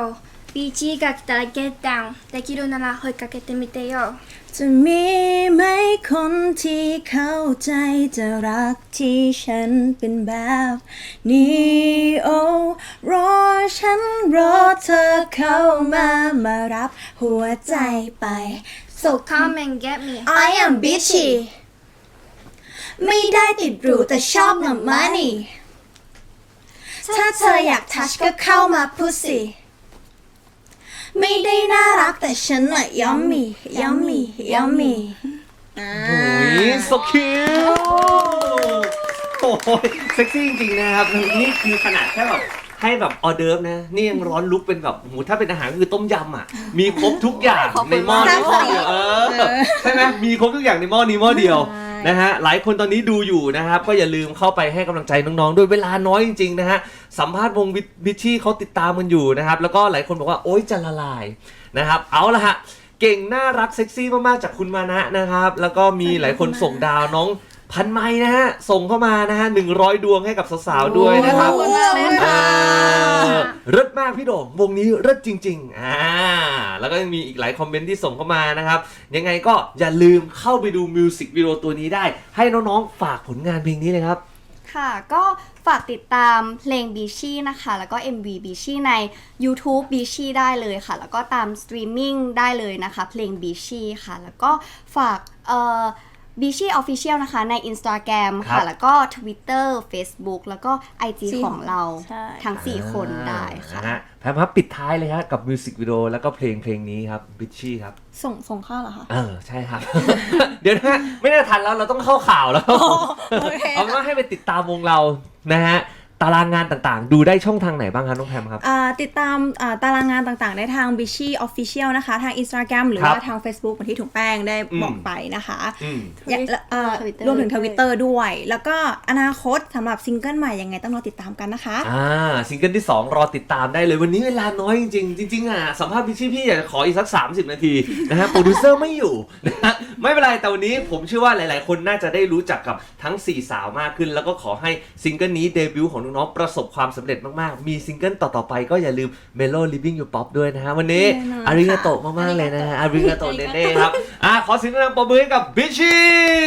[SPEAKER 4] ビーチが来たら get down できるなら声かけてみてよ
[SPEAKER 3] จะมีไหมคนที่เข้าใจจะรักที่ฉันเป็นแบบนี้โอ้รอฉันรอเธอเข้ามามารับหัวใจไป
[SPEAKER 4] So come and get me
[SPEAKER 3] I am bitchy ไม่ได้ติดหรูแต่ชอบเงิน money ถ้าเธออยากทัชก็เข้ามา pussy ไม่ได้น่ารักแต่ฉันน่ะ yummy yummy yummy
[SPEAKER 1] โอ้ยสคิวโอ้ยเซ็กซี่จริงๆนะครับนี่คือขนาดแค่แบบให้แบบออเดิร์ฟนะนี่ยังร้อนลุกเป็นแบบโหถ้าเป็นอาหารก็คือต้มยำอ่ะมีครบทุกอย่างในหม้อนี้หม้อเดียวเออใช่ไหมมีครบทุกอย่างในหม้อนี้หม้อเดียวนะฮะหลายคนตอนนี้ดูอยู่นะครับก็อย่าลืมเข้าไปให้กำลังใจน้องๆด้วยเวลาน้อยจริงๆนะฮะสัมภาษณ์วงบิชชี่เขาติดตามกันอยู่นะครับแล้วก็หลายคนบอกว่าโอ๊ยจะละลายนะครับเอาละฮะเก่งน่ารักเซ็กซี่มากๆจากคุณมานะนะครับแล้วก็มีหลายคนส่งดาวน้องพันไม้นะฮะส่งเข้ามานะฮะหนึ่งร้อยดวงให้กับสาวๆด้วยนะครับ
[SPEAKER 2] ขอบคุณมากเลยค่ะ
[SPEAKER 1] เลิศมากพี่โด่งวงนี้เลิศจริงๆอ่าแล้วก็ยังมีอีกหลายคอมเมนต์ที่ส่งเข้ามานะครับยังไงก็อย่าลืมเข้าไปดูมิวสิกวิดีโอตัวนี้ได้ให้น้องๆฝากผลงานเพลงนี้เลยครับ
[SPEAKER 5] ค่ะก็ฝากติดตามเพลงบีชี่นะคะแล้วก็ เอ็ม วี บีชี่ใน YouTube บีชี่ได้เลยค่ะแล้วก็ตามสตรีมมิ่งได้เลยนะคะเพลงบีชี่ค่ะแล้วก็ฝากเอ่อบีชี่ Official นะคะใน Instagram
[SPEAKER 1] ครั
[SPEAKER 5] ค่ะ
[SPEAKER 1] บ
[SPEAKER 5] แล้วก็ Twitter Facebook แล้วก็ ไอ จี
[SPEAKER 2] จริง
[SPEAKER 5] ของเรา
[SPEAKER 2] ใช่
[SPEAKER 5] ทั้ง สี่ คนได้ค่ะ
[SPEAKER 1] นฮแพมครับปิดท้ายเลยฮะกับมิวสิกวิดีโอแล้วก็เพลงเพลงนี้ครับบิชชี่ครับ
[SPEAKER 2] ส่งส่งเข้าเหรอคะ
[SPEAKER 1] เออใช่ครับ เดี๋ยวนะไม่ได้ทันแล้วเราต้องเข้าข่าวแล้ว
[SPEAKER 2] โอเค
[SPEAKER 1] เอาเป็นว่าให้ไปติดตามวงเรานะฮะตารางงานต่างๆ ดูได้ช่องทางไหนบ้างครับน้องแพมครับ
[SPEAKER 3] อ่าติดตามอ่าตารางงานต่างๆ ได้ทาง Bishi Official นะคะ ทาง Instagram หรือ
[SPEAKER 1] ครับ
[SPEAKER 3] ว่าทาง Facebook เหมือนที่ถุงแป้งได้
[SPEAKER 1] อืม
[SPEAKER 3] บอกไปนะคะ
[SPEAKER 1] อืม
[SPEAKER 3] อย่าและเอ่อ
[SPEAKER 5] Twitter
[SPEAKER 3] รวมถึง Twitter ด้วย แล้วก็อนาคตสำหรับซิงเกิลใหม่ยังไงต้องรอติดตามกันนะคะ
[SPEAKER 1] อ่าซิงเกิลที่สองรอติดตามได้เลยวันนี้เวลาน้อยจริงๆจริงๆอ่ะสัมภาษณ์บิชชี่พี่อยากจะขออีกสักสามสิบนาทีนะฮะโปรดิวเซอร์ไม่อยู่นะฮะไม่เป็นไรแต่วันนี้ผมเชื่อว่าหลายๆ คนน่าจะได้รู้จักกับทั้งสี่สาวมากขึ้น แล้วก็ขอให้ซิงเกิลนี้เดบิวต์ของน้องๆประสบความสำเร็จมากๆมีซิงเกิลต่อๆไปก็อย่าลืม Melo Living Your Pop ด้วยนะฮะวันนี้
[SPEAKER 3] แน่นอน
[SPEAKER 1] อาริกาโตะมากๆเลยนะฮะอาริกาโตะเน่ๆครับอ่ะขอเสียงดังปรบมือให้กับบิชชี่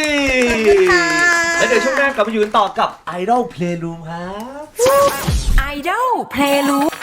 [SPEAKER 1] แล้วเดี๋ยวช่วงหน้ากลับมาอยู่กันต่อกับ Idol Playroom ครับ
[SPEAKER 6] Idol Playroom